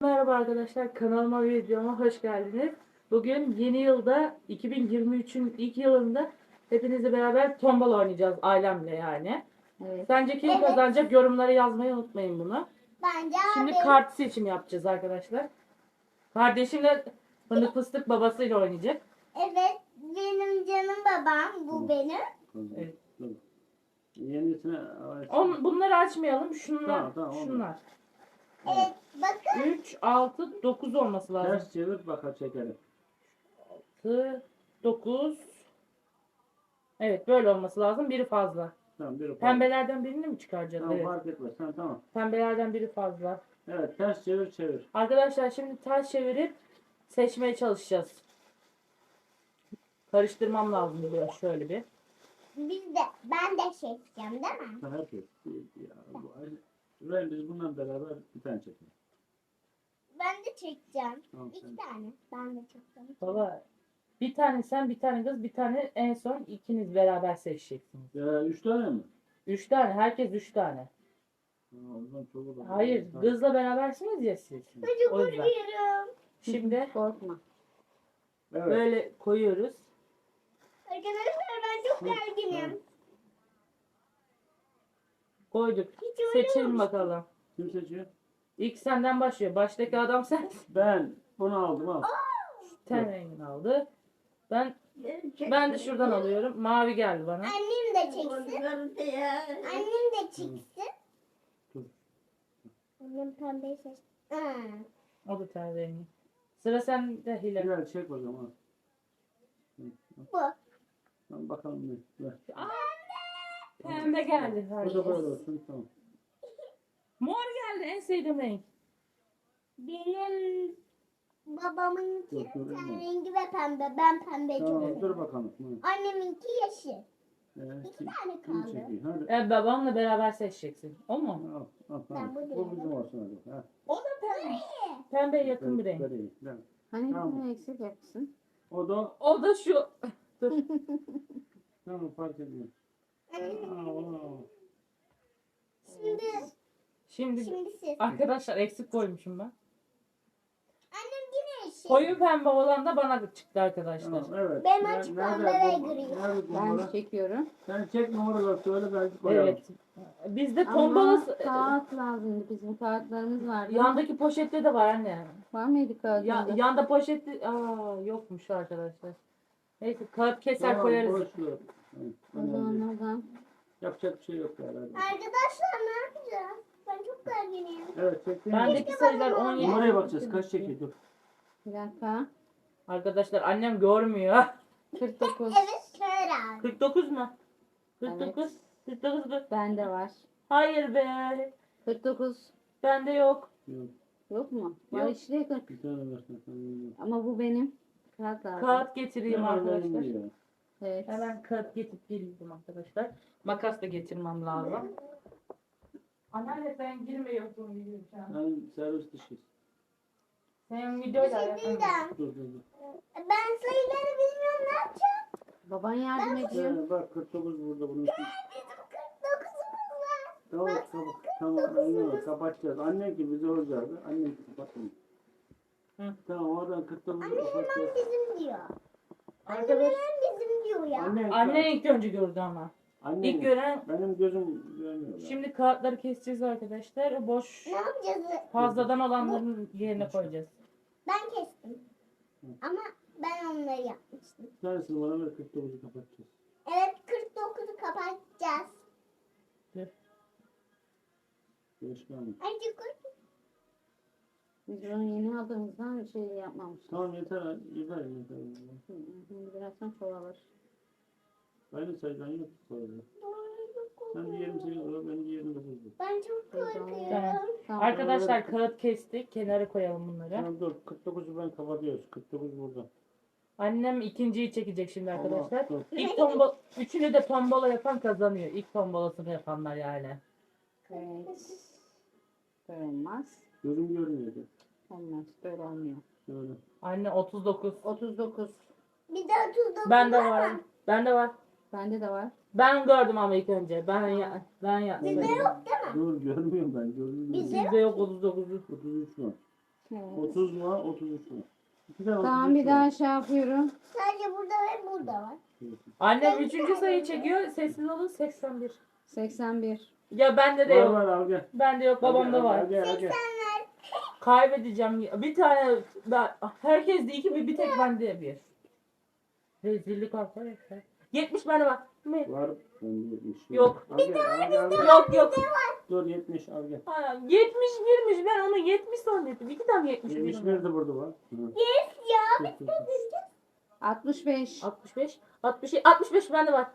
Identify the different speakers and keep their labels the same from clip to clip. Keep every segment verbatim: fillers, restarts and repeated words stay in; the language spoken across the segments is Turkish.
Speaker 1: Merhaba arkadaşlar, kanalıma ve videoma hoş geldiniz. Bugün yeni yılda iki bin yirmi üçün ilk yılında hepinizle beraber tombala oynayacağız ailemle yani.
Speaker 2: Evet.
Speaker 1: Sence kim
Speaker 3: Evet.
Speaker 1: kazanacak? Yorumlara yazmayı unutmayın bunu.
Speaker 3: Bence
Speaker 1: Şimdi
Speaker 3: abi.
Speaker 1: kart seçimi yapacağız arkadaşlar. Kardeşimle fındık fıstık babasıyla oynayacak.
Speaker 3: Evet, benim canım babam. Bu benim.
Speaker 1: Evet.
Speaker 4: Yenisine
Speaker 1: On, bunları açmayalım. Şunlar.
Speaker 4: Tamam, tamam, oldu.
Speaker 1: şunlar.
Speaker 3: Evet, bakın.
Speaker 1: üç, altı, dokuz olması lazım.
Speaker 4: ters çevir baka çekelim.
Speaker 1: altı, dokuz. Evet, böyle olması lazım. Biri fazla.
Speaker 4: Tamam biri fazla.
Speaker 1: Pembelerden birini mi çıkaracağız?
Speaker 4: Tamam
Speaker 1: Evet.
Speaker 4: fark etmez. Tamam tamam.
Speaker 1: Pembelerden biri fazla.
Speaker 4: Evet ters çevir çevir.
Speaker 1: Arkadaşlar şimdi ters çevirip seçmeye çalışacağız. Karıştırmam lazım biraz şöyle bir.
Speaker 3: Biz de, ben de seçeceğim değil mi?
Speaker 4: Ha, herkes. Ya, bu, Ryan, biz bundan beraber bir tane çekelim.
Speaker 3: Ben de çekeceğim.
Speaker 4: Tamam,
Speaker 3: İki
Speaker 4: sen-
Speaker 3: tane. Ben de çekeceğim.
Speaker 1: Baba bir tane sen bir tane kız bir tane en son ikiniz beraber seçeceksiniz.
Speaker 4: Ya, üç tane mi?
Speaker 1: Üç tane herkes üç tane.
Speaker 4: Ha, o zaman çok olur.
Speaker 1: Hayır
Speaker 4: Tamam.
Speaker 1: kızla berabersiniz ya siz.
Speaker 3: Ben çok
Speaker 1: O yüzden.
Speaker 3: korkuyorum.
Speaker 1: Şimdi
Speaker 2: Korkma.
Speaker 4: Evet.
Speaker 1: böyle koyuyoruz.
Speaker 3: Arkadaşlar ben çok gerginim.
Speaker 1: Koyduk.
Speaker 3: Hiç öyle
Speaker 1: Seçelim
Speaker 3: olmuş.
Speaker 1: bakalım.
Speaker 4: Kim seçiyor?
Speaker 1: İlk senden başlıyor. Baştaki adam sen.
Speaker 4: Ben bunu aldım al.
Speaker 1: Ten rengini aldı. Ben ben de şuradan alıyorum. Mavi geldi bana.
Speaker 3: Annem de çeksin. Annem de çeksin.
Speaker 4: Dur.
Speaker 3: Annem pembeyi seçti. Aa.
Speaker 1: O da ten rengi. Sıra sende Hilal.
Speaker 4: Hilal çek o zaman. Hı,
Speaker 3: Bu.
Speaker 4: Tamam bakalım ne. Ver.
Speaker 1: Pembe geldi.
Speaker 4: Bu da
Speaker 1: herkes.
Speaker 4: böyle olsun tamam.
Speaker 1: Mor geldi en sevdiğim renk.
Speaker 3: Benim babamınki
Speaker 4: Dur, dur,
Speaker 3: ten
Speaker 4: dur.
Speaker 3: rengi ve pembe. Ben pembeyi çok
Speaker 4: Tamam
Speaker 3: seviyorum.
Speaker 4: dur bakalım. Hı.
Speaker 3: Anneminki yeşil.
Speaker 4: Evet,
Speaker 3: İki
Speaker 4: kim-
Speaker 3: tane
Speaker 4: kim
Speaker 3: kaldı.
Speaker 4: çekiyor? Hadi.
Speaker 1: E, babamla beraber seçeceksin. O mu?
Speaker 4: Al, al,
Speaker 3: Ben
Speaker 4: tamam.
Speaker 3: bu
Speaker 4: Bu
Speaker 3: diyorum.
Speaker 4: bizim olsun hadi. Ha.
Speaker 1: O da pembe. Pembeye yakın bir renk.
Speaker 4: Vereyim, ver.
Speaker 2: Hani
Speaker 4: Tamam.
Speaker 2: bir eksik yapsın.
Speaker 4: O da
Speaker 1: O da şu. Dur.
Speaker 4: tamam fark ediyor. Aa,
Speaker 3: Şimdi,
Speaker 1: Şimdi
Speaker 3: şimdi siz.
Speaker 1: arkadaşlar eksik koymuşum ben.
Speaker 3: Annem yine yeşil.
Speaker 1: Koyu pembe olan da bana çıktı arkadaşlar.
Speaker 4: tamam evet.
Speaker 3: Ben
Speaker 4: Ner-
Speaker 3: açık
Speaker 4: nerede
Speaker 3: pembe ve
Speaker 4: bu-
Speaker 3: gri.
Speaker 4: Nerede bu
Speaker 2: Ben
Speaker 4: numara?
Speaker 2: çekiyorum.
Speaker 4: Sen çek numaraları söyle belki koyalım.
Speaker 1: Evet. Bizde
Speaker 2: Ama
Speaker 1: tombalası
Speaker 2: kağıt lazımdı. Bizim kağıtlarımız vardı.
Speaker 1: yandaki poşette de var anne.
Speaker 2: Var mıydı kağıtında?
Speaker 1: Ya, yanda poşette aa yokmuş arkadaşlar. Neyse kağıt keser
Speaker 4: Tamam,
Speaker 1: koyarız.
Speaker 4: boş ver. Evet,
Speaker 2: O
Speaker 4: önemli değil.
Speaker 2: zaman oradan.
Speaker 4: Yapacak bir şey yok herhalde.
Speaker 3: Arkadaşlar ne yapacağız? Ben çok gerginim.
Speaker 4: Evet çektim.
Speaker 1: Bendeki sayılar on yedi.
Speaker 4: Numaraya bakacağız. Kaç çekiyor? Dur.
Speaker 2: Bir dakika.
Speaker 1: Arkadaşlar annem görmüyor.
Speaker 2: kırk dokuz.
Speaker 3: Evet kör abi.
Speaker 1: kırk dokuz mu? kırk dokuz. kırk dokuz mu?
Speaker 2: Bende var.
Speaker 1: Hayır be.
Speaker 2: kırk dokuz.
Speaker 1: Bende yok.
Speaker 4: Yok.
Speaker 2: Yok mu? Var
Speaker 1: Yok.
Speaker 2: işte kırk.
Speaker 4: Bir tane versen. Tamam.
Speaker 2: Ama bu benim. Kağıt lazım.
Speaker 1: Kağıt getireyim arkadaşlar.
Speaker 2: Evet.
Speaker 1: Hemen kağıt getirip geliyorum arkadaşlar. Makas da getirmem lazım. Anneanne sen girmiyorsun videoya şu an.
Speaker 4: Ben servis dışıyız.
Speaker 1: Sen
Speaker 3: Bir
Speaker 1: videoyla
Speaker 3: şey
Speaker 1: alakalı.
Speaker 3: diyeceğim.
Speaker 4: Dur dur dur.
Speaker 3: Ben sayıları bilmiyorum ne yapacağım?
Speaker 2: Baban yardım ediyor.
Speaker 4: Ee, bak kırk dokuz burada bunun.
Speaker 3: Bizim kırk dokuzumuz var.
Speaker 4: Tamam tamam. Tamam anne kapatacağız. Anne ki bize olacaktı. Anne ki kapatın.
Speaker 1: Hı.
Speaker 4: Tamam oradan kırk dokuzu
Speaker 3: Anne hemen
Speaker 4: kapatacağız.
Speaker 3: bizim diyor. Anne
Speaker 1: Arkadaş,
Speaker 3: hemen bizim diyor ya.
Speaker 4: Anne,
Speaker 1: anne ilk önce gördü ama.
Speaker 4: anne,
Speaker 1: İlk gören
Speaker 4: benim gözüm görmüyor. ya.
Speaker 1: şimdi kağıtları keseceğiz arkadaşlar. O boş
Speaker 3: Ne yapacağız?
Speaker 1: fazladan olanların yerine koyacağız.
Speaker 3: Ben kestim. Ama ben onları yapmıştım.
Speaker 4: Bir tanesini bana ver kırk dokuzu kapatacağız.
Speaker 3: Evet kırk dokuzu kapatacağız.
Speaker 1: Dur.
Speaker 4: Görüşmeyelim.
Speaker 3: Hadi koy.
Speaker 2: Biz bunu yeni aldığımızdan şey yapmamıştık.
Speaker 4: Tamam yeter yeter yeter.
Speaker 2: Hı, Şimdi birazdan çoğalır.
Speaker 4: Aynı sayıdan yok sayıda. Sen de yirmi sekiz olur, ben de yirmi dokuz olur.
Speaker 3: Ben çok korkuyorum.
Speaker 1: Tamam.
Speaker 2: Tamam.
Speaker 1: Arkadaşlar kağıt kestik. Kenara koyalım bunları.
Speaker 4: Tamam dur, kırk dokuzu ben kapatıyoruz. kırk dokuz burada.
Speaker 1: Annem ikinciyi çekecek şimdi arkadaşlar.
Speaker 4: Tamam, dur.
Speaker 1: İlk tombala, üçünü de tombala yapan kazanıyor. İlk tombalasını yapanlar yani.
Speaker 2: Evet. Böyle olmaz.
Speaker 4: Gözüm görmüyordu.
Speaker 2: Olmaz. Böyle olmuyor.
Speaker 4: Şöyle.
Speaker 1: Anne otuz dokuz.
Speaker 2: otuz dokuz.
Speaker 3: Bir de otuz dokuz
Speaker 1: Bende
Speaker 3: var
Speaker 1: var.
Speaker 3: mı?
Speaker 1: Bende var.
Speaker 2: Bende de var.
Speaker 1: Ben gördüm ama ilk önce. Ben ya, ben yaptım.
Speaker 3: Bizde yok değil mi?
Speaker 4: Dur görmüyorum ben. Gözüm
Speaker 3: Bizde
Speaker 4: görmüyor.
Speaker 1: Bizde yok otuz dokuz.
Speaker 4: otuz üç var.
Speaker 2: Evet.
Speaker 4: otuz mu? otuz üç mü? İki tane
Speaker 2: Tamam
Speaker 4: otuz üç
Speaker 2: bir
Speaker 4: var.
Speaker 2: daha şey yapıyorum.
Speaker 3: Sadece burada ve burada var.
Speaker 1: Annem üçüncü sayı çekiyor. Sessiz olun seksen bir.
Speaker 2: seksen bir.
Speaker 1: Ya bende de
Speaker 4: Var
Speaker 1: yok.
Speaker 4: var al gel.
Speaker 1: Bende yok,
Speaker 4: Al gel,
Speaker 1: babamda
Speaker 4: al
Speaker 1: var.
Speaker 4: gel, al gel.
Speaker 1: Kaybedeceğim. Bir tane ben, herkes de iki, bir, bir tek bende bir. Rezillik arkadaşlar. yetmiş bende var. Mi?
Speaker 4: Var. Ben yetmiş.
Speaker 1: Yok.
Speaker 4: Al gel, al gel, al gel.
Speaker 1: Yok yok.
Speaker 4: Dur yetmiş al gel.
Speaker 1: Ha, yetmiş birmiş, ben onu yetmiş zannettim. İki tane yetmiş bir.
Speaker 4: yetmiş bir de burada var. Hı.
Speaker 3: Yes ya.
Speaker 4: Dur, dur, dur.
Speaker 2: altmış beş.
Speaker 1: altmış beş. altmış, altmış beş bende var.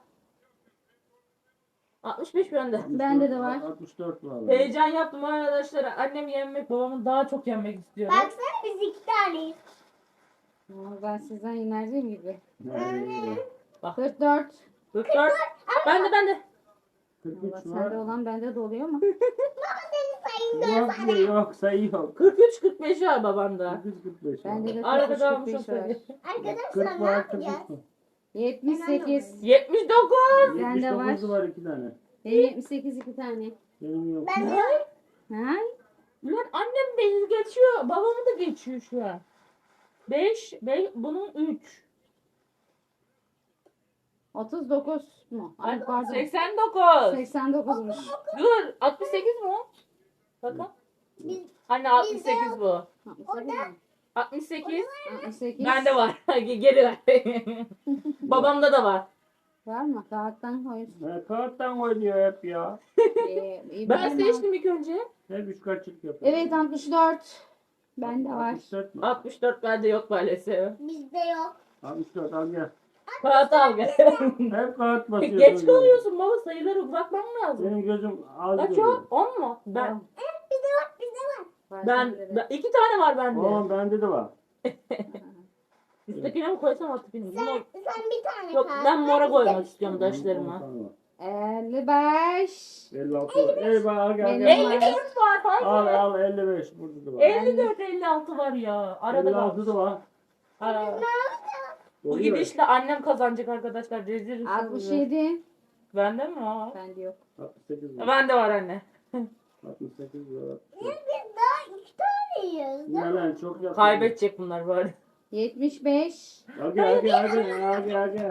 Speaker 1: altmış beş bende.
Speaker 2: Bende de var.
Speaker 4: altmış dört var.
Speaker 1: Heyecan yaptım arkadaşlar. Annemi yenmek, babamı daha çok yenmek istiyorum.
Speaker 3: Baksana biz iki taneyiz.
Speaker 2: Ama ben sizden inerdiğim gibi.
Speaker 4: Nerede?
Speaker 2: kırk dört.
Speaker 1: kırk dört. Bende bende.
Speaker 4: kırk
Speaker 2: Allah
Speaker 4: üç
Speaker 2: sende
Speaker 4: var.
Speaker 2: olan bende de oluyor ama.
Speaker 3: Baba senin sayın
Speaker 4: Yok
Speaker 3: dört tane.
Speaker 4: yok sayı yok.
Speaker 1: kırk üç kırk beş var babamda.
Speaker 4: kırk üç kırk beş var.
Speaker 2: Bende de
Speaker 1: Arkada
Speaker 2: kırk
Speaker 1: almışım
Speaker 2: üç kırk beş
Speaker 1: sayı.
Speaker 2: var.
Speaker 3: Arkadaşlar
Speaker 4: kırk
Speaker 3: ne
Speaker 4: var kırk üç
Speaker 3: yapacağız?
Speaker 4: var.
Speaker 2: yetmiş sekiz.
Speaker 1: yetmiş dokuz.
Speaker 2: Bende
Speaker 4: yetmiş
Speaker 2: var.
Speaker 4: dokuz var iki tane.
Speaker 2: Benim yetmiş sekiz iki tane.
Speaker 4: Benim yok.
Speaker 3: Ben de
Speaker 2: Ha?
Speaker 1: Ulan annem beni geçiyor. Babamı da geçiyor şu an. beş, beş bunun üç.
Speaker 2: otuz dokuz mu? Ay pardon.
Speaker 1: seksen dokuz.
Speaker 2: seksen dokuzmuş.
Speaker 1: Dur, altmış sekiz mi o? Bakın.
Speaker 3: biz
Speaker 1: Anne altmış sekiz bu.
Speaker 2: altmış sekiz mi?
Speaker 1: altmış sekiz.
Speaker 2: altmış sekiz.
Speaker 1: Bende var. Geri ver. Babamda da var.
Speaker 2: Var mı? Kağıttan koy.
Speaker 4: Ne kağıttan oynuyor hep ya.
Speaker 2: Ee, iyi
Speaker 1: Ben
Speaker 2: bir-
Speaker 1: seçtim ilk önce.
Speaker 4: Hep üç kaçlık yapıyor.
Speaker 2: Evet altmış dört. Bende var.
Speaker 4: altmış dört mü?
Speaker 1: altmış dört bende yok maalesef.
Speaker 3: bizde yok.
Speaker 4: altmış dört al gel.
Speaker 1: Kağıt al gel.
Speaker 4: Hep kağıt basıyorsun.
Speaker 1: Geç kalıyorsun baba, sayıları bırakmam lazım.
Speaker 4: Benim gözüm az
Speaker 1: Kaç
Speaker 4: görüyor.
Speaker 1: o? on mu? Ben
Speaker 2: On.
Speaker 3: Bizde var bizde var.
Speaker 2: Var
Speaker 1: ben,
Speaker 2: sende de.
Speaker 1: ben iki tane var bende.
Speaker 4: Oğlum bende de var.
Speaker 1: Üsttekine mi koysam alttakine mi?
Speaker 3: Sen,
Speaker 1: Bunu-
Speaker 3: sen bir tane
Speaker 1: Yok
Speaker 3: kal.
Speaker 1: ben mora koymak
Speaker 3: Bizde-
Speaker 1: istiyorum
Speaker 4: On
Speaker 1: taşlarıma.
Speaker 4: tane var.
Speaker 2: elli beş.
Speaker 4: elli altı var. Eyvah al gel.
Speaker 2: Benim
Speaker 4: gel.
Speaker 1: elli dört var. Hayır.
Speaker 4: Al al elli beş burada da var.
Speaker 1: elli dört elli altı var ya. Arada
Speaker 4: elli altı
Speaker 1: kalmış.
Speaker 4: da var.
Speaker 1: Aa, Bu
Speaker 4: Oluyor.
Speaker 1: gidişle annem kazanacak arkadaşlar. Rezil
Speaker 2: altmış
Speaker 1: rüsva.
Speaker 2: yedi.
Speaker 1: Bende mi var?
Speaker 2: Bende yok.
Speaker 4: altmış sekiz var.
Speaker 1: Bende var anne.
Speaker 4: altmış sekiz var.
Speaker 3: Biz daha iki taneyiz.
Speaker 4: Ne lan çok yakın.
Speaker 1: Kaybedecek bunlar böyle.
Speaker 2: yetmiş beş.
Speaker 4: Al gel al gel al gel al gel al gel.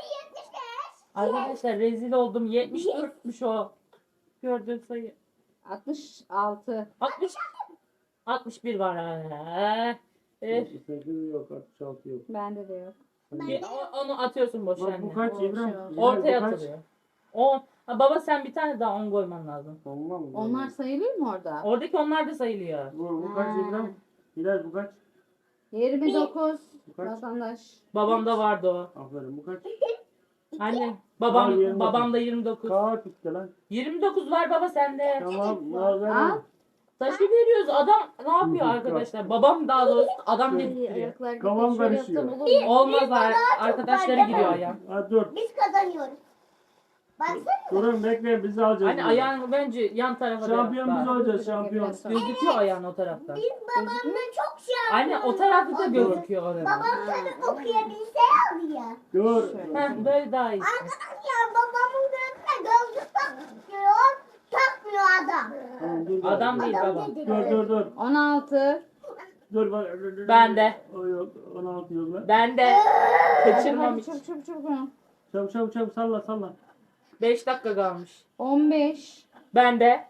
Speaker 1: Arkadaşlar rezil oldum. yetmiş dörtmüş o. Gördüğün sayı.
Speaker 2: altmış altı.
Speaker 1: altmış altmış bir var. Ha. Eh,
Speaker 4: altmış sekiz yok altmış altı yok.
Speaker 2: Bende de yok.
Speaker 1: bir- o- onu atıyorsun boş
Speaker 4: Bak bu
Speaker 1: anne.
Speaker 4: kaç
Speaker 2: O şey
Speaker 4: İbrahim?
Speaker 2: olsun.
Speaker 4: İbrahim,
Speaker 1: Ortaya
Speaker 4: bu kaç?
Speaker 1: atılıyor. on. Ha, baba sen bir tane daha on koyman lazım.
Speaker 4: Olmaz mı?
Speaker 2: Onlar sayılıyor mu orada?
Speaker 1: Oradaki onlar da sayılıyor.
Speaker 4: Bu, bu kaç
Speaker 2: Ha.
Speaker 4: İbrahim? Hilal bu kaç?
Speaker 2: yirmi dokuz.
Speaker 4: Bu kaç?
Speaker 2: Vatandaş.
Speaker 1: Babamda vardı o.
Speaker 4: Aferin bu kaç?
Speaker 1: Anne babam
Speaker 4: Al, yirmi dokuz.
Speaker 1: babamda yirmi dokuz.
Speaker 4: Kağıt bitti lan.
Speaker 1: yirmi dokuz var baba sende.
Speaker 4: Tamam. Al ver.
Speaker 2: Al.
Speaker 1: Taşı veriyoruz. Adam ne yapıyor arkadaşlar? Babam daha doğrusu adam
Speaker 2: Ay,
Speaker 1: dedirtiyor.
Speaker 2: ayaklar
Speaker 4: Kafam
Speaker 2: şöyle
Speaker 4: karışıyor.
Speaker 2: yapsam olur mu?
Speaker 1: Olmaz ar- arkadaşları
Speaker 3: var,
Speaker 1: giriyor
Speaker 3: değil
Speaker 1: ayağım.
Speaker 4: Ha dur.
Speaker 3: Biz kazanıyoruz. Baksana.
Speaker 4: Durun bekleyin biz alacağız.
Speaker 1: Hani
Speaker 4: bunu.
Speaker 1: ayağını bence yan tarafa da
Speaker 4: Şampiyon
Speaker 1: yap
Speaker 4: biz
Speaker 1: bari.
Speaker 4: olacağız şampiyon.
Speaker 1: Gözüküyor ayağın o taraftan.
Speaker 3: Biz babamla çok şey
Speaker 1: Anne o tarafta da gözüküyor orada.
Speaker 3: Babam tabii okuyabilse aldı ya.
Speaker 4: Dur.
Speaker 1: Heh, böyle daha iyi.
Speaker 3: Arkadaşlar babamın gözüne gözlük takıyor. Takmıyor adam.
Speaker 4: Tamam, dur.
Speaker 1: Adam değil
Speaker 3: Adam
Speaker 1: baba.
Speaker 3: dedi.
Speaker 4: Dur dur dur.
Speaker 2: on altı.
Speaker 4: Dur bak. dur, dur,
Speaker 1: Ben
Speaker 4: dur.
Speaker 1: de.
Speaker 4: O yok. on altı yok lan.
Speaker 1: Ben de kaçırmam
Speaker 2: Hadi
Speaker 1: hiç.
Speaker 2: çabuk çabuk çabuk.
Speaker 4: Çabuk çabuk çabuk salla salla.
Speaker 1: beş dakika kalmış.
Speaker 2: on beş.
Speaker 1: Ben de.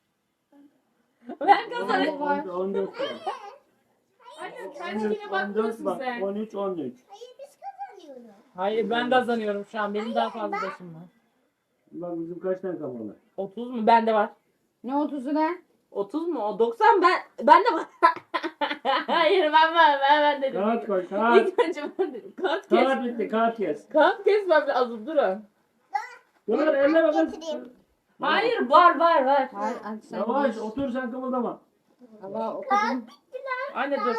Speaker 1: Ben
Speaker 2: Bende
Speaker 1: kazanırım.
Speaker 2: var.
Speaker 4: on dört var.
Speaker 1: Anne
Speaker 4: on
Speaker 1: kendine
Speaker 4: dört
Speaker 1: bakmıyorsun
Speaker 4: bak.
Speaker 1: sen.
Speaker 4: on üç on üç.
Speaker 3: Hayır biz kazanıyoruz.
Speaker 1: Hayır ben kazanıyorum şu an. Benim daha fazla başım var.
Speaker 4: Bak bizim kaç tane kalmalı?
Speaker 1: otuz mu? Bende var.
Speaker 2: Ne otuzu ne?
Speaker 1: otuz mu? O doksan ben bende var. Hayır ben ben ben, ben dedim.
Speaker 4: Kağıt koy kağıt.
Speaker 1: İlk önce ben dedim. Kağıt kes.
Speaker 4: Kağıt bitti kağıt kes.
Speaker 1: Kağıt kesmem lazım durun.
Speaker 4: Dur elle bakın.
Speaker 3: Getireyim.
Speaker 1: Hayır var var var.
Speaker 2: Hayır, hadi sen
Speaker 4: Yavaş
Speaker 2: geç.
Speaker 4: otur sen kımıldama.
Speaker 2: Allah okudum.
Speaker 1: Anne dur.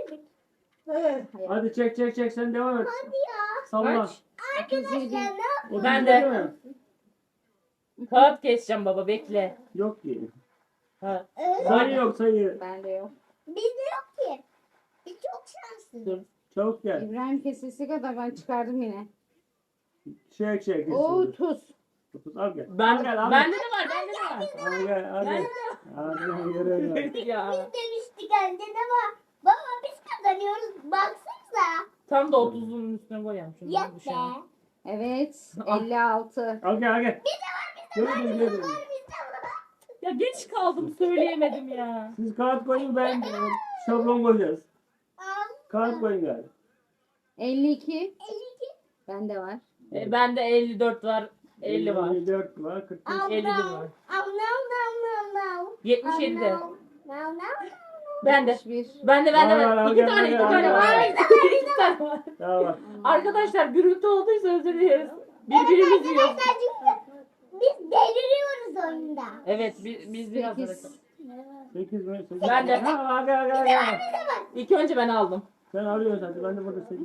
Speaker 4: Hadi çek çek çek sen devam et.
Speaker 3: Hadi ya.
Speaker 4: Salla.
Speaker 1: Kaç?
Speaker 3: Arkadaşlar ne yap-
Speaker 4: Otuz
Speaker 1: Ben
Speaker 4: değil
Speaker 1: de.
Speaker 4: mi?
Speaker 1: Kağıt keseceğim baba bekle.
Speaker 4: Yok ki.
Speaker 1: Ha,
Speaker 3: Ee,
Speaker 4: Sayı yok sayı.
Speaker 2: Bende yok.
Speaker 3: Bizde yok ki. Biz çok şanslıyız.
Speaker 1: dur.
Speaker 4: Çabuk gel.
Speaker 2: İbrahim kesesi kadar ben çıkardım yine.
Speaker 4: Çek çek.
Speaker 2: otuz.
Speaker 4: Otuz al gel.
Speaker 1: Ben,
Speaker 4: Al gel al
Speaker 1: bende
Speaker 4: gel.
Speaker 1: de var bende de var.
Speaker 4: Al gel al
Speaker 1: Bende
Speaker 4: gel.
Speaker 1: de
Speaker 4: Hadi yürü yürü.
Speaker 1: var. Ya.
Speaker 3: Biz demiştik bence de var. Baba biz kazanıyoruz. Baksanıza.
Speaker 1: Tam da otuzun üstüne koyalım şunu.
Speaker 3: Yok
Speaker 1: Bu şey.
Speaker 3: be.
Speaker 2: Evet.
Speaker 1: Ah.
Speaker 2: elli altı.
Speaker 4: Al gel al gel. Gördüm gördüm.
Speaker 3: Bizde var.
Speaker 1: Ya geç kaldım söyleyemedim ya.
Speaker 4: Siz kağıt koyun ben e, şablon koyacağız.
Speaker 3: Al.
Speaker 4: Kağıt koyun gel.
Speaker 2: elli iki.
Speaker 3: elli iki.
Speaker 2: Bende var.
Speaker 1: E, bende elli dört var. elli var.
Speaker 4: elli dört var. kırk beş.
Speaker 3: Al,
Speaker 1: elli bir
Speaker 3: al.
Speaker 1: var.
Speaker 3: Al, no, no, no, no.
Speaker 1: yetmiş yedi de.
Speaker 3: No, no, no.
Speaker 1: Bende.
Speaker 2: bir.
Speaker 1: Bende bende
Speaker 4: Var, var,
Speaker 1: var.
Speaker 4: al,
Speaker 1: İki
Speaker 4: gel,
Speaker 1: tane
Speaker 4: gel,
Speaker 1: iki
Speaker 4: gel,
Speaker 1: tane
Speaker 4: gel.
Speaker 1: var. İki tane var.
Speaker 4: Tamam.
Speaker 1: Arkadaşlar gürültü olduysa özür dileriz. Birbirimiz yiyor.
Speaker 3: Arkadaşlar çünkü biz deliriyoruz oyunda.
Speaker 1: Evet biz, biz biraz
Speaker 2: sekiz.
Speaker 4: sekiz mi? sekiz.
Speaker 1: Ben de.
Speaker 4: Ha, al gel gel gel.
Speaker 1: İlk önce ben aldım.
Speaker 4: Sen alıyorsun hadi. Ben de burada sekiz.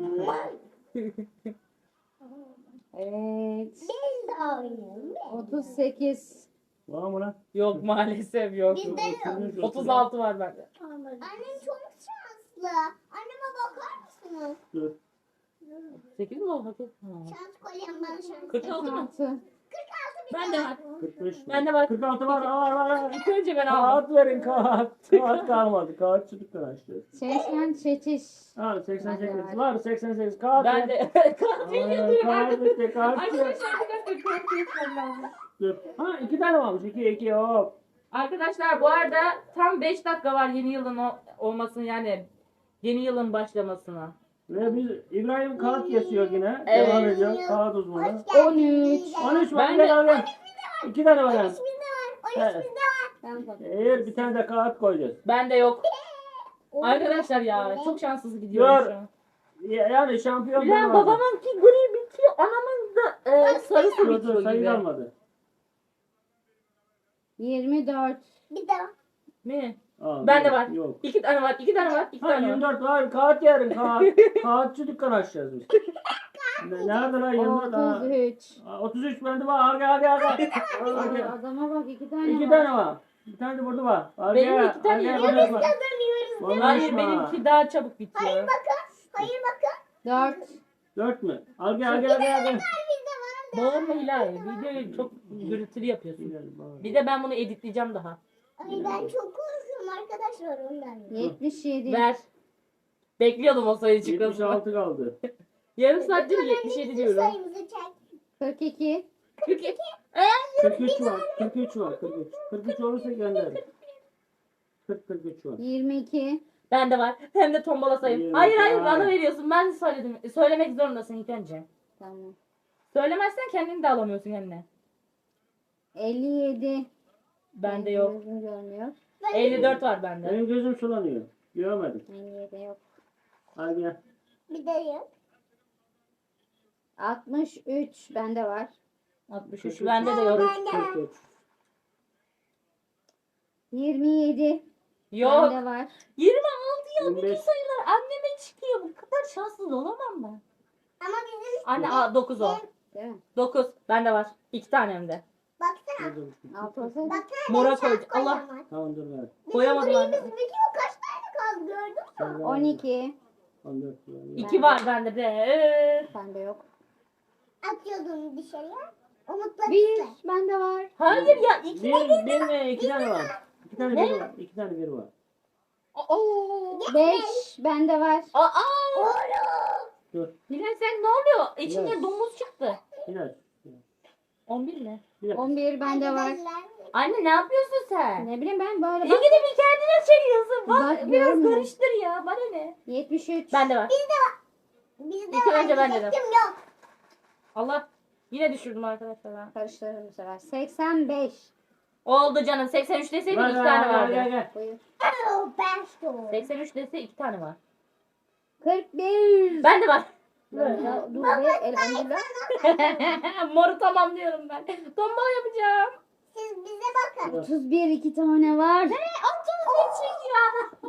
Speaker 2: Evet.
Speaker 3: Biz de oynuyoruz.
Speaker 2: otuz sekiz.
Speaker 4: Var mı lan?
Speaker 1: Yok maalesef yok.
Speaker 3: Bizde yok.
Speaker 1: otuz altı var bende.
Speaker 3: Annem çok şanslı. Anneme bakar mısınız?
Speaker 4: Dur.
Speaker 1: sekiz mi oldu? Ha.
Speaker 3: Şans kolyem bana şans.
Speaker 1: kırk altı mı?
Speaker 2: altı.
Speaker 1: Bende var.
Speaker 4: kırk beş.
Speaker 1: Bende var.
Speaker 4: kırk altı var. Var var var.
Speaker 1: İlk önce ben aldım.
Speaker 4: Kağıt verin kağıt. Kağıt kalmadı. Kağıt çocuklar açtı.
Speaker 2: seksen sekiz.
Speaker 4: Ha seksen
Speaker 2: Bende
Speaker 4: sekiz
Speaker 2: var.
Speaker 4: var. seksen sekiz kağıt.
Speaker 1: Ben
Speaker 4: ver.
Speaker 1: de. Katil
Speaker 4: Aa,
Speaker 1: yazıyorum.
Speaker 4: Kağıt bitti. Kağıt bitti.
Speaker 1: Arkadaşlar bir dakika katil yazmam lazım.
Speaker 4: Dur. Ha iki tane varmış. iki iki hop.
Speaker 1: Arkadaşlar bu arada tam beş dakika var yeni yılın o- olmasını yani yeni yılın başlamasına.
Speaker 4: Ve biz İbrahim kağıt kesiyor yine.
Speaker 1: Evet.
Speaker 4: Devam ediyor. Kağıt uzmanı.
Speaker 3: Hoş geldin.
Speaker 2: on üç.
Speaker 3: Bizde
Speaker 4: on üç var.
Speaker 1: Ben
Speaker 4: Gel
Speaker 1: de-
Speaker 4: al gel. İki tane var yani.
Speaker 3: Bizde var. on üç
Speaker 4: Evet.
Speaker 3: bizde var.
Speaker 2: Ben de.
Speaker 4: Eğer bir tane de kağıt koyacağız.
Speaker 1: Bende yok. Arkadaşlar ya çok şanssız gidiyorum
Speaker 4: Dur.
Speaker 1: şu an.
Speaker 4: Ya- Yani şampiyon
Speaker 1: Bir an
Speaker 4: ben
Speaker 1: babamınki gri bitiyor, anamın da e, sarısı
Speaker 4: Dur dur
Speaker 1: bitiyor
Speaker 4: sayı
Speaker 1: gibi.
Speaker 4: kalmadı.
Speaker 2: yirmi dört.
Speaker 3: Bizde var.
Speaker 1: Mi?
Speaker 4: Aa,
Speaker 1: Bende
Speaker 4: yok,
Speaker 1: var.
Speaker 4: Yok.
Speaker 1: İki tane var, iki tane var, iki
Speaker 4: Ha
Speaker 1: tane var.
Speaker 4: yirmi dört var. Kağıt yarın kağıt. Kağıtçı dükkan açacağız biz. Ne- Nerede lan yirmi dört? Ha.
Speaker 2: otuz üç.
Speaker 4: Aa, otuz üç bende var. Al gel al gel al gel. Al gel.
Speaker 2: Adama bak iki tane
Speaker 4: İki
Speaker 2: var.
Speaker 4: tane var. Bir tane de burada var. Al
Speaker 1: Benim
Speaker 4: gel,
Speaker 1: iki tane
Speaker 4: al gel,
Speaker 1: yerim
Speaker 4: konuşma.
Speaker 3: Kazanıyoruz.
Speaker 4: Konuşma.
Speaker 1: Hayır benimki daha çabuk bitiyor.
Speaker 3: Hayır bakın. Hayır bakın.
Speaker 2: dört.
Speaker 4: Dört mü? Al gel al gel al gel. al gel.
Speaker 3: Bizde var.
Speaker 1: Bağırma Hilal. Videoyu çok gürültülü yapıyorsun.
Speaker 4: Güzel, bak.
Speaker 1: Bir de ben bunu editleyeceğim daha.
Speaker 3: Ay ben çok korkuyorum arkadaşlar ondan.
Speaker 2: yetmiş yedi.
Speaker 1: Ver. Bekliyordum o sayı
Speaker 4: yetmiş
Speaker 1: çıkmasını.
Speaker 4: altı kaldı.
Speaker 1: Yarım saattir yetmiş yedi diyorum.
Speaker 3: Sayımızı çek.
Speaker 2: kırk iki.
Speaker 1: kırk iki.
Speaker 4: kırk üç var. kırk üç var. kırk üç. kırk üç olursa gönder. kırk kırk üç var.
Speaker 2: yirmi iki.
Speaker 1: Bende var. Hem de tombala sayım.
Speaker 4: Yirmi.
Speaker 1: Hayır hayır
Speaker 4: Ay.
Speaker 1: bana veriyorsun. Ben söyledim. Söylemek zorundasın ilk önce.
Speaker 2: Tamam.
Speaker 1: Söylemezsen kendini de alamıyorsun kendine.
Speaker 2: elli yedi.
Speaker 1: Bende yok.
Speaker 2: Gözüm görmüyor.
Speaker 1: elli dört var bende.
Speaker 4: Benim gözüm sulanıyor. Göremedim.
Speaker 2: elli yedi yok.
Speaker 4: Al gel.
Speaker 3: Bir de yok.
Speaker 2: altmış üç. Bende var.
Speaker 1: altmış
Speaker 4: kırk
Speaker 1: üç
Speaker 4: üç.
Speaker 1: bende de yok.
Speaker 4: kırk üç.
Speaker 2: yirmi yedi.
Speaker 1: Yok.
Speaker 2: Bende var.
Speaker 1: yirmi altı ya
Speaker 4: yirmi
Speaker 1: bütün
Speaker 4: beş.
Speaker 1: sayılar anneme çıkıyor. Bu kadar şanssız olamam ben.
Speaker 3: Ama bizim
Speaker 1: Anne aa, dokuz o.
Speaker 2: Değil mi?
Speaker 1: dokuz. Bende var. İki tane hem de.
Speaker 3: baksana.
Speaker 4: Dur, dur.
Speaker 2: altı olsaydı.
Speaker 3: Baksana.
Speaker 1: Mora
Speaker 3: benim şans
Speaker 1: koyduk. Allah.
Speaker 3: kolyem var.
Speaker 4: Tamam dur ver.
Speaker 1: Koyamadım
Speaker 3: Bizim
Speaker 1: anne.
Speaker 3: grimiz bitiyor. Kaç tane kaldı gördün mü?
Speaker 4: Sen ver.
Speaker 2: on iki.
Speaker 4: on dört var.
Speaker 1: İki var bende de. Ee.
Speaker 2: Bende yok.
Speaker 3: Atıyordum dışarıya. Umutla
Speaker 2: bir.
Speaker 3: gitme.
Speaker 2: Bende var.
Speaker 1: Hayır ya iki.
Speaker 4: Bir, bir ve iki tane var. İki tane
Speaker 1: Ne?
Speaker 4: bir var. İki tane bir var.
Speaker 1: Oo.
Speaker 2: beş. Bende var.
Speaker 1: Aa.
Speaker 3: Oğlum.
Speaker 4: Dur.
Speaker 1: Hilal sen ne oluyor? İçinde
Speaker 4: Hilal.
Speaker 1: domuz çıktı.
Speaker 4: Hilal.
Speaker 1: on bir mi?
Speaker 4: Bir dakika.
Speaker 2: on bir bende var.
Speaker 3: Arkadaşlar,
Speaker 1: Anne ne yapıyorsun sen?
Speaker 2: Ne bileyim ben böyle
Speaker 1: İyi
Speaker 2: bak.
Speaker 1: gidip bir kendine çekiyorsun. Bak,
Speaker 2: Bak,
Speaker 1: biraz
Speaker 2: görmüyor.
Speaker 1: karıştır ya. Bana ne?
Speaker 2: yetmiş üç.
Speaker 1: Bende var.
Speaker 3: Bizde
Speaker 1: İki
Speaker 3: var.
Speaker 1: önce bende de.
Speaker 3: diyecektim, yok.
Speaker 1: Allah. Yine düşürdüm arkadaşlar ben.
Speaker 2: Karıştırırım bu sefer. seksen beş.
Speaker 1: Oldu canım. seksen üç deseydin
Speaker 4: Ver,
Speaker 1: iki
Speaker 4: ver,
Speaker 1: tane
Speaker 4: gel, gel,
Speaker 1: vardı.
Speaker 4: gel.
Speaker 2: Buyur.
Speaker 3: Oh, ben şu.
Speaker 1: seksen üç dese iki tane var.
Speaker 2: kırk bir.
Speaker 1: Bende var.
Speaker 2: Ya, dur be elhamdülillah.
Speaker 1: Moru tamam diyorum ben. Tombala yapacağım.
Speaker 3: Siz bize bakın.
Speaker 2: otuz bir iki tane var.
Speaker 1: otuz çekiyor.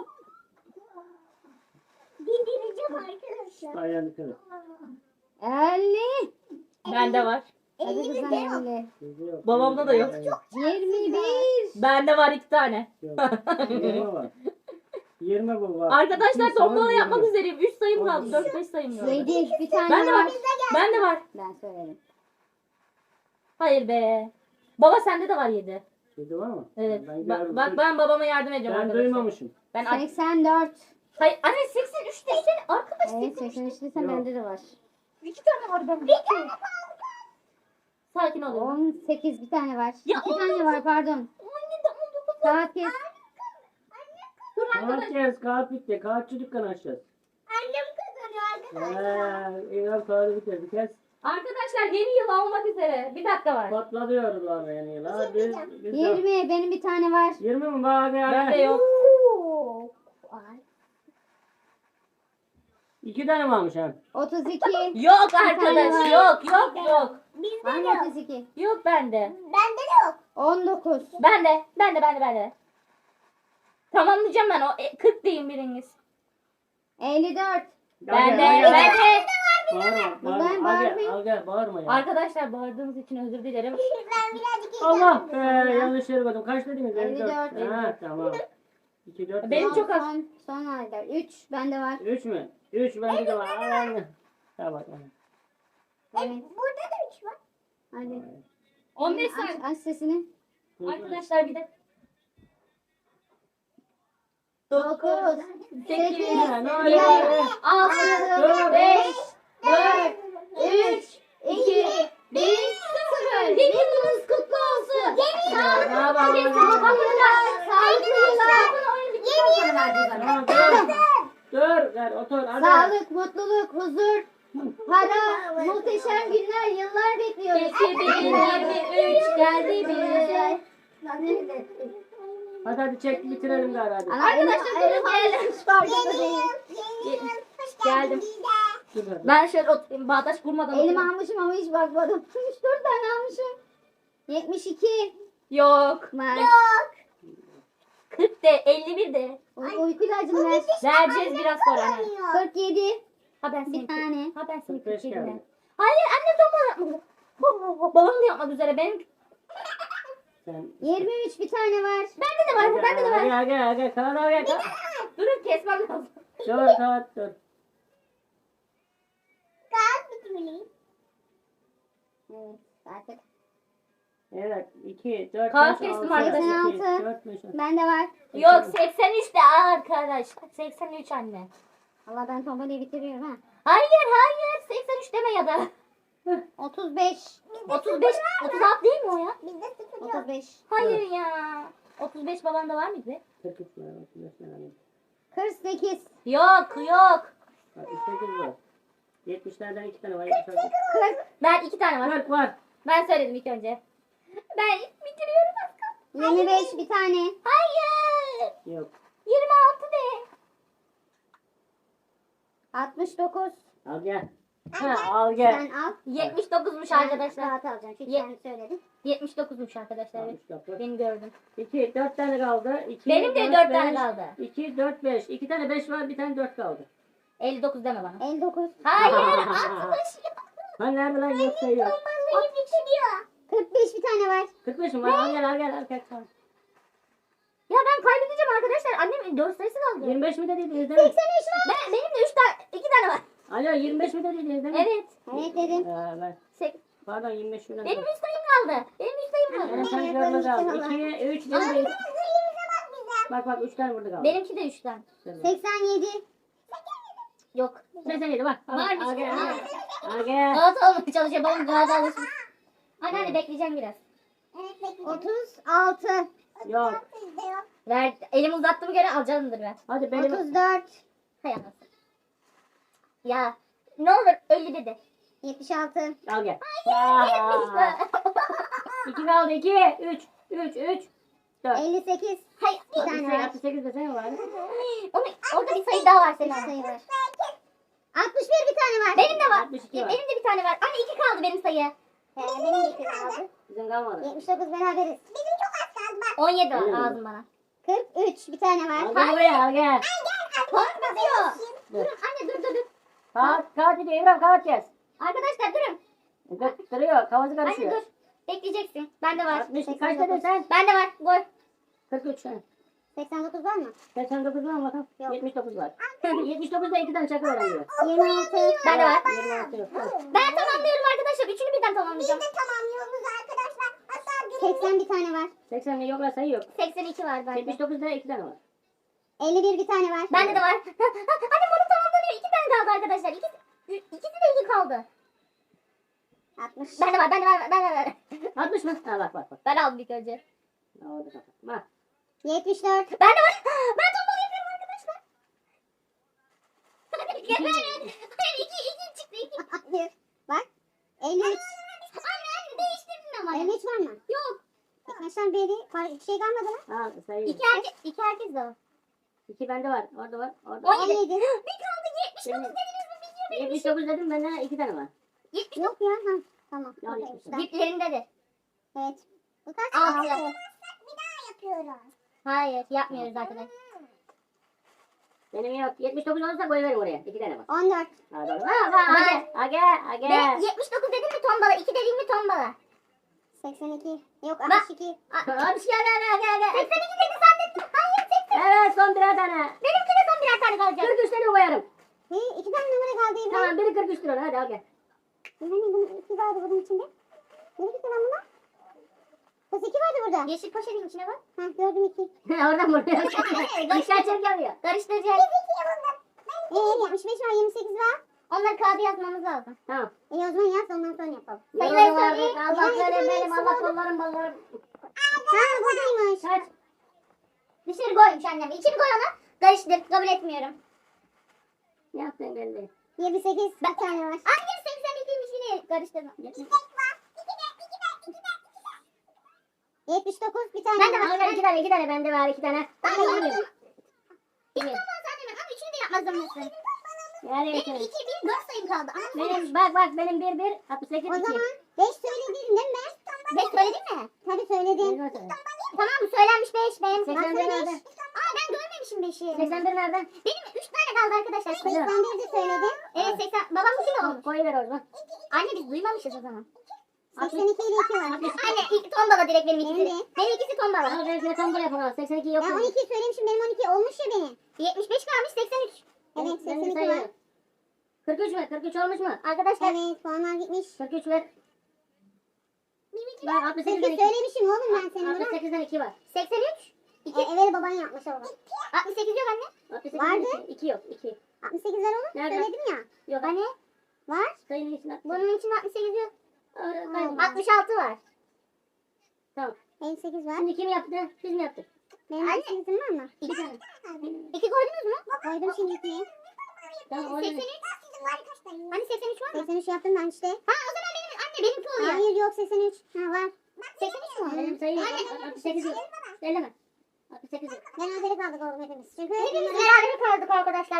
Speaker 3: Bildireceğim arkadaşlar.
Speaker 4: Ayağını kırın.
Speaker 2: elli.
Speaker 1: Bende var.
Speaker 2: Hadi
Speaker 3: Elimizde
Speaker 2: kızım
Speaker 3: yok.
Speaker 2: elli.
Speaker 4: Bizde yok.
Speaker 1: Babamda da yok.
Speaker 2: yirmi bir.
Speaker 1: Bende var iki tane.
Speaker 4: Yok. Yirmi var. Yirmi bu var.
Speaker 1: Arkadaşlar
Speaker 4: İki
Speaker 1: tombala
Speaker 4: sana
Speaker 1: yapmak
Speaker 4: yirmi.
Speaker 1: üzereyim. üç sayım kaldı.
Speaker 4: On.
Speaker 1: dört beş sayım kaldı.
Speaker 2: yedi. Bir tane
Speaker 1: Bende var.
Speaker 2: var.
Speaker 1: Bende var.
Speaker 2: Ben söyledim.
Speaker 1: Hayır be. Baba sende de var yedi.
Speaker 4: Dedi var mı?
Speaker 1: Evet.
Speaker 4: Ben
Speaker 1: Ba-
Speaker 4: gördüm.
Speaker 1: bak ben babama yardım edeceğim
Speaker 4: Ben
Speaker 1: arkadaşlar.
Speaker 4: duymamışım.
Speaker 1: Ben aç-
Speaker 2: seksen dört.
Speaker 1: Hayır anne seksen üç desene arkadaş.
Speaker 2: Evet seksen üç desem
Speaker 4: Yok.
Speaker 2: bende de var.
Speaker 1: İki tane var bende. Bir tane. Sakin ol.
Speaker 2: on sekiz bir tane var.
Speaker 1: Ya,
Speaker 2: iki tane var pardon.
Speaker 1: Anne de on dokuz.
Speaker 2: Saat kes.
Speaker 1: Dur arkadaş.
Speaker 4: Kağıt yaz, kağıt bitti. Kağıtçı dükkanı açacağız.
Speaker 3: Annem kazanıyor arkadaşlar.
Speaker 4: Eee, İran kağıdı bitirdi. Kes.
Speaker 1: Arkadaşlar yeni yıl olmak üzere. Bir dakika var.
Speaker 4: Patlatıyorlar yani yıl. Hadi. Biz de-
Speaker 2: yirmi benim bir tane var.
Speaker 4: yirmi mi? Bak ya.
Speaker 1: Bende yok.
Speaker 3: Oo. Ay.
Speaker 4: İki tane varmış ha.
Speaker 2: otuz iki.
Speaker 1: Yok
Speaker 2: tane
Speaker 1: arkadaş.
Speaker 2: var.
Speaker 1: Yok yok yok.
Speaker 3: Bizde
Speaker 2: Var
Speaker 3: de
Speaker 2: mı
Speaker 3: yok.
Speaker 2: otuz iki?
Speaker 1: Yok bende.
Speaker 3: Bende de yok.
Speaker 2: on dokuz.
Speaker 1: Bende. Bende bende bende. Tamamlayacağım ben o. E, kırk deyin biriniz.
Speaker 2: elli dört.
Speaker 1: Bende.
Speaker 4: Al gel, al gel.
Speaker 1: Bende.
Speaker 4: Bağırma.
Speaker 2: Ben
Speaker 4: Bağırma. Al gel,
Speaker 2: bağırmayayım.
Speaker 4: al gel. Bağırma ya.
Speaker 1: Arkadaşlar bağırdığınız için özür dilerim.
Speaker 3: Ben birazcık
Speaker 4: Allah be. Yanlış yere koydum. Kaç dediniz?
Speaker 2: elli dört.
Speaker 4: elli dört. Ha tamam. iki, dört.
Speaker 1: Benim
Speaker 4: beş.
Speaker 1: çok az.
Speaker 2: Son, son ayda. üç bende var.
Speaker 4: Üç mü? Üç bende de var. Al al. Tamam.
Speaker 2: Evet.
Speaker 3: Burada da üç var.
Speaker 2: Hadi.
Speaker 1: on beş
Speaker 2: Aç,
Speaker 1: saniye.
Speaker 2: aç sesini.
Speaker 1: Arkadaşlar bir de.
Speaker 2: dokuz.
Speaker 1: sekiz.
Speaker 4: Ya, ne oluyor?
Speaker 1: altı. beş. dört. üç. iki. bir. sıfır. Yeni yılınız kutlu olsun.
Speaker 4: Ya, ne yapalım?
Speaker 1: Sağlıklı yıllar. Sağlıklı yıllar. Yeni
Speaker 4: Tamam, dur. Dur. Ver otur. Hadi.
Speaker 2: Sağlık, mutluluk, huzur, para, muhteşem günler, yıllar bekliyoruz.
Speaker 1: iki bin yirmi üç geldi bize.
Speaker 4: Hadi hadi çek bitirelim gari hadi.
Speaker 2: Ana,
Speaker 1: Arkadaşlar,
Speaker 2: elim-
Speaker 1: durun,
Speaker 2: elim
Speaker 1: gelin.
Speaker 2: almış, farkında
Speaker 3: Yeni
Speaker 2: değilim.
Speaker 3: yıl. Yeni yıl. Hoş
Speaker 1: Geldim.
Speaker 3: geldin bize.
Speaker 4: Dur hadi.
Speaker 1: Ben şöyle oturayım. Bağdaş kurmadan
Speaker 2: Elim
Speaker 1: oturayım.
Speaker 2: almışım ama hiç bakmadım. üç dört tane almışım. yetmiş iki.
Speaker 1: Yok.
Speaker 2: Var.
Speaker 1: kırk de elli bir de.
Speaker 2: U- Uyku ilacımı ver.
Speaker 1: Vereceğiz biraz sonra. Anne.
Speaker 2: kırk yedi.
Speaker 1: Ha ben seni
Speaker 2: Bir tane.
Speaker 1: Ha ben seni
Speaker 4: kırk beş
Speaker 1: kırk yedine.
Speaker 4: geldi.
Speaker 1: Hayır anne tam yapmadı. Babam da yapmak üzere. Benim
Speaker 4: Sen.
Speaker 2: yirmi üç bir tane var.
Speaker 1: bende de var. Bende de
Speaker 4: Hadi
Speaker 1: var.
Speaker 4: hadi hadi. Kağıt al gel. kağıt.
Speaker 1: Durun kesmem lazım.
Speaker 4: Dur kağıt dur.
Speaker 3: Kağıt bitmeli.
Speaker 2: Evet artık.
Speaker 4: Evet. iki, dört,
Speaker 1: Kağıt
Speaker 4: beş,
Speaker 1: kestim
Speaker 4: altı,
Speaker 1: arkadaşlar.
Speaker 4: iki, dört, beş, altı.
Speaker 2: Bende var.
Speaker 1: Yok seksen üç de arkadaş. seksen üç anne.
Speaker 2: Allah ben tombalayı bitiriyorum ha.
Speaker 1: Hayır hayır. seksen üç deme ya da.
Speaker 2: otuz beş.
Speaker 1: otuz beş, otuz altı değil mi o ya?
Speaker 3: Bizde sıfır yok.
Speaker 2: otuz beş.
Speaker 1: Hayır ya. otuz beş babanda var mıydı?
Speaker 4: kırk üç var, otuz beş var.
Speaker 2: kırk sekiz.
Speaker 1: Yok yok.
Speaker 4: Bak, sekiz var. yetmişlerden iki tane var. yetmişlerden.
Speaker 2: kırk.
Speaker 1: Ben iki tane var.
Speaker 4: kırk var.
Speaker 1: Ben söyledim ilk önce. Ben bitiriyorum az kaldı.
Speaker 2: yirmi beş bir tane.
Speaker 1: Hayır.
Speaker 4: Yok.
Speaker 1: yirmi altı de.
Speaker 2: altmış dokuz.
Speaker 4: Al gel. Ha, al gel.
Speaker 2: Sen al.
Speaker 1: yetmiş dokuzmuş
Speaker 2: Ben
Speaker 1: arkadaşlar.
Speaker 2: Kağıt alacağım. Çünkü
Speaker 1: Ye-
Speaker 2: sen söyledin.
Speaker 1: yetmiş dokuzmuş arkadaşlar. Evet.
Speaker 4: altmış dokuz.
Speaker 1: Beni gördüm.
Speaker 4: iki, dört tane kaldı. iki,
Speaker 1: Benim de
Speaker 4: dört,
Speaker 1: dört tane
Speaker 4: beş.
Speaker 1: kaldı.
Speaker 4: iki, dört, beş. iki tane beş var, bir tane dört kaldı.
Speaker 1: elli dokuz deme bana.
Speaker 2: elli dokuz.
Speaker 1: Hayır altmış.
Speaker 4: Ha nerede lan yok sayıyor.
Speaker 3: Vallahi bitiriyor.
Speaker 2: kırk beş bir tane var.
Speaker 4: kırk beş mi var? Al gel al gel al gel. al.
Speaker 1: Ya ben kaybedeceğim arkadaşlar. Annemin dört sayısı kaldı.
Speaker 4: yirmi beş mi dediniz değil mi?
Speaker 2: seksen üç var.
Speaker 1: Ben, benim de üç tane, iki tane var.
Speaker 4: Alo yirmi beş mi dediniz değil mi?
Speaker 1: Evet.
Speaker 2: Evet dedim.
Speaker 4: Ha, ben.
Speaker 1: Sek-
Speaker 4: Pardon yirmi beş şuradan.
Speaker 1: Benim üç sayım kaldı. Benim üç sayım
Speaker 4: Ben
Speaker 1: kaldı.
Speaker 4: sen
Speaker 2: Evet,
Speaker 4: görmez
Speaker 2: ben
Speaker 4: aldım.
Speaker 2: üç tane
Speaker 4: iki, üç,
Speaker 1: Ay,
Speaker 4: beş.
Speaker 3: Yerimize bak bize.
Speaker 4: Bak bak üç tane burada kaldı.
Speaker 1: Benimki de üç tane.
Speaker 2: seksen yedi.
Speaker 1: Yok.
Speaker 4: seksen yedi bak. Al,
Speaker 1: Varmış.
Speaker 4: Al gel. al
Speaker 1: Ha.
Speaker 4: gel. Al gel.
Speaker 1: Galata olmaya çalışıyor. Babam Galata alışmış. Anne anne bekleyeceğim biraz.
Speaker 3: Evet bekliyorum.
Speaker 2: otuz altı.
Speaker 4: Yok.
Speaker 3: Bizde yok.
Speaker 1: Ver. Elimi uzattığımı göre alacağımdır ben.
Speaker 4: Hadi benim.
Speaker 2: otuz dört.
Speaker 1: Hay anasını. Ya. Ne olur elli dedi.
Speaker 2: yetmiş altı.
Speaker 4: Al gel.
Speaker 1: Aa.
Speaker 4: iki kaldı. iki, üç, üç, üç, dört.
Speaker 2: elli sekiz.
Speaker 1: Hayır.
Speaker 2: Bir tane var.
Speaker 4: altmış sekiz desene var.
Speaker 1: Onu, orada bir sayı daha var
Speaker 2: Bir
Speaker 1: senin.
Speaker 2: sayı var. altmış bir bir tane var.
Speaker 1: Benim de var.
Speaker 4: altmış iki var.
Speaker 1: Benim de bir tane var. Anne iki kaldı benim sayı.
Speaker 2: Ee, benim de iki kaldı.
Speaker 4: Bizim kalmadı.
Speaker 2: yetmiş dokuz beraberiz.
Speaker 3: Bizim çok az kaldı bak.
Speaker 1: on yedi var
Speaker 4: Benim de.
Speaker 1: lazım bana.
Speaker 2: kırk üç bir tane var.
Speaker 4: Al gel buraya al gel.
Speaker 1: Kağıt basıyor.
Speaker 4: Dur.
Speaker 1: Durun anne dur dur dur.
Speaker 4: Kağıt, kağıt gidiyor. İbrahim kağıt kes.
Speaker 1: Arkadaşlar durun.
Speaker 4: Dur, duruyor. Kafası
Speaker 1: Anne
Speaker 4: karışıyor.
Speaker 1: dur. Bekleyeceksin. Bende var.
Speaker 4: altmış iki kaç dedin sen?
Speaker 1: Bende var. Gol.
Speaker 4: kırk üç sen.
Speaker 2: seksen dokuz var mı?
Speaker 4: seksen dokuz var mı bakalım?
Speaker 2: Yok.
Speaker 4: yetmiş dokuz var. yetmiş dokuzda iki tane çakı öğreniyor.
Speaker 2: yirmi altı.
Speaker 1: Bende var.
Speaker 4: yirmi altı yok.
Speaker 1: Ben tamamlıyorum arkadaşlar. Üçünü birden
Speaker 3: Biz
Speaker 1: tamamlayacağım.
Speaker 3: de tamamlıyoruz arkadaşlar. Hatta
Speaker 2: seksen bir tane var.
Speaker 5: seksen yoklar sayı yok.
Speaker 3: seksen iki var bende.
Speaker 5: yetmiş dokuzda iki tane var.
Speaker 2: elli bir bir tane var.
Speaker 3: Bende de var. Annem onu tamamlanıyor. İki tane kaldı arkadaşlar. İkisi, ikisi de iki kaldı.
Speaker 2: altmış.
Speaker 3: Bende var, bende var, bende var.
Speaker 5: altmış mı? Ha bak bak bak.
Speaker 3: Ben aldım ilk önce.
Speaker 5: Ha, orada kapat. Bak.
Speaker 2: yetmiş dört.
Speaker 3: Bende var. Ben tombala yapıyorum arkadaşlar. Evet. iki, iki çıktı. iki.
Speaker 2: Hayır. Bak. elli üç.
Speaker 3: Anne anne değiştirdin ama.
Speaker 2: elli üç var mı?
Speaker 3: Yok.
Speaker 2: Arkadaşlar beri par- şey kalmadı mı?
Speaker 5: Ha sayı.
Speaker 3: İki herkes, iki herkes de o.
Speaker 5: iki bende var. Orada var. Orada var.
Speaker 3: On yedi.
Speaker 2: on yedi.
Speaker 3: Bir kaldı yetmiş dokuz dediniz mi bilmiyorum.
Speaker 5: yetmiş dokuz dedim bende iki tane var.
Speaker 3: yetmiş
Speaker 2: Yok ya. Ha. Tamam.
Speaker 5: Ya,
Speaker 2: Okey,
Speaker 5: yetmiş.
Speaker 2: tamam.
Speaker 3: Diplerindedir.
Speaker 2: Evet. Bu kaç?
Speaker 3: Altı.
Speaker 2: Altı.
Speaker 3: Bir daha yapıyoruz. Hayır yapmıyoruz arkadaşlar.
Speaker 5: Benim yok. yetmiş dokuz olursa koyuverim oraya. iki tane var.
Speaker 2: on dört.
Speaker 5: Ha doğru. Ha bak. Age. Age. Age.
Speaker 3: Ben yetmiş dokuz dedim mi tombala? iki dedim mi tombala?
Speaker 2: seksen iki. Yok
Speaker 3: Bak.
Speaker 2: altmış iki.
Speaker 5: Hadi şey gel gel gel gel.
Speaker 3: seksen iki dedi zannettim. Hayır seksen.
Speaker 5: Evet son birer tane.
Speaker 3: Benimki de son birer tane kalacak.
Speaker 5: kırk üç tane koyarım.
Speaker 2: Hey, iki tane numara kaldı İbrahim.
Speaker 5: Tamam biri kırk üç lira. Hadi al gel.
Speaker 2: İbrahim bunun iki vardı bunun içinde. Nereye gitti lan bunlar? Kız iki vardı burada.
Speaker 3: Yeşil poşetin içine bak.
Speaker 2: Ha gördüm iki.
Speaker 5: Oradan buraya. Dışarı çek geliyor.
Speaker 3: Karıştıracağız.
Speaker 2: Ee yetmiş beş var yirmi sekiz var.
Speaker 3: Onları kağıda yazmamız lazım.
Speaker 5: Tamam.
Speaker 2: E o zaman yaz ondan sonra yapalım.
Speaker 3: Sayıları
Speaker 5: Sayıları vardı.
Speaker 3: söyleyeyim.
Speaker 5: Allah
Speaker 2: Yani iki tane
Speaker 5: verin benim.
Speaker 2: hepsi
Speaker 5: Allah
Speaker 2: vardı.
Speaker 5: kollarım ballarım.
Speaker 2: Ha buradaymış.
Speaker 5: Kaç?
Speaker 3: Dışarı koymuş annem. İçini koy ona. Karıştır. Kabul etmiyorum.
Speaker 5: Ne yaptın belli.
Speaker 2: yirmi sekiz bir tane var.
Speaker 3: Annem seksen ikiymiş yine karıştırma.
Speaker 2: yetmiş dokuz bir tane
Speaker 3: Ben de
Speaker 2: var.
Speaker 3: var.
Speaker 5: Al ver iki tane iki tane. Bende var iki tane.
Speaker 3: Ben
Speaker 5: Ben
Speaker 3: de
Speaker 5: de
Speaker 3: yapmadım.
Speaker 5: yiyeyim.
Speaker 3: İlk olmaz annemin ama üçünü de yapmaz zorundasın.
Speaker 5: Yani
Speaker 3: Benim
Speaker 5: iki.
Speaker 3: iki, bir, dört sayım kaldı. Ama
Speaker 5: Benim bak bak benim bir bir altmış sekiz
Speaker 2: O
Speaker 5: iki.
Speaker 2: zaman beş söyledin değil mi ben?
Speaker 3: beş söyledin mi?
Speaker 2: Tabii söyledim.
Speaker 5: Benim söyle.
Speaker 3: Tamam söylenmiş beş. Benim
Speaker 5: seksen bir
Speaker 3: Bak,
Speaker 5: nerede?
Speaker 3: beş. Aa ben görmemişim beşi.
Speaker 5: seksen bir nerede?
Speaker 3: Benim üç tane kaldı arkadaşlar.
Speaker 2: seksen bir de söyledim.
Speaker 3: Evet seksen. Babamın iki de olmuş.
Speaker 5: Koyuver o zaman.
Speaker 3: Anne biz duymamışız o zaman.
Speaker 2: seksen iki ile iki var.
Speaker 3: Anne ilk tombala direkt benim ikisi.
Speaker 2: Benim de.
Speaker 3: Benim ikisi tombala.
Speaker 5: Al ben size tombala yapalım. seksen iki yok.
Speaker 2: Ben on iki söylemişim benim on iki olmuş ya benim.
Speaker 3: yetmiş beş kalmış seksen üç.
Speaker 2: Evet
Speaker 5: Ben
Speaker 2: seksen
Speaker 5: de
Speaker 2: iki var.
Speaker 5: sayıyorum. kırk üç ver. kırk üç olmuş mu?
Speaker 3: Arkadaşlar.
Speaker 2: Evet puanlar gitmiş.
Speaker 5: kırk üç ver. Bak altmış sekizden
Speaker 2: sekiz
Speaker 5: iki.
Speaker 2: söylemişim oğlum ben senin
Speaker 5: altmış
Speaker 2: buna.
Speaker 5: sekizden iki var.
Speaker 3: seksen üç.
Speaker 2: E, evet baban yapmış oğlum.
Speaker 3: altmış sekiz yok anne.
Speaker 5: altmış sekizden
Speaker 2: Vardı.
Speaker 5: iki. iki yok. iki.
Speaker 2: altmış sekiz var oğlum.
Speaker 5: Nerede?
Speaker 2: Söyledim ya.
Speaker 5: Yok.
Speaker 3: Anne
Speaker 2: Var.
Speaker 5: Sayının içine at.
Speaker 3: bunun içinde altmış sekiz yok.
Speaker 5: Orada
Speaker 2: Aa.
Speaker 5: kayboldu.
Speaker 3: altmış altı var.
Speaker 5: Tamam.
Speaker 2: elli sekiz var.
Speaker 5: Şimdi kim yaptı? Biz mi yaptık?
Speaker 2: Benim
Speaker 3: Anne.
Speaker 2: elli sekizim var mı?
Speaker 3: İki tane. İki koydunuz mu?
Speaker 2: Koydum şimdi ikiye.
Speaker 5: Tamam orada.
Speaker 3: seksen üç. Hani seksen üç var mı?
Speaker 2: seksen üç yaptım ben işte.
Speaker 3: Ha o zaman benim anne benimki oluyor.
Speaker 2: Hayır yok seksen üç. Ha var.
Speaker 3: seksen üç mü?
Speaker 5: Benim sayım
Speaker 3: Anne.
Speaker 5: altmış sekiz yok. Elleme. altmış sekiz yok.
Speaker 2: Berabere kaldık oğlum hepimiz. Çünkü
Speaker 3: Hepimiz
Speaker 2: bunları-
Speaker 3: beraber kaldık arkadaşlar.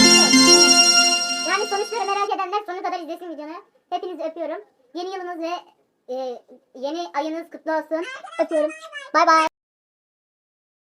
Speaker 3: Yani sonuçları merak edenler sonuna kadar izlesin videomu. Hepinizi öpüyorum. Yeni yılınız ve e, yeni ayınız kutlu olsun. Öpüyorum. Bay bay.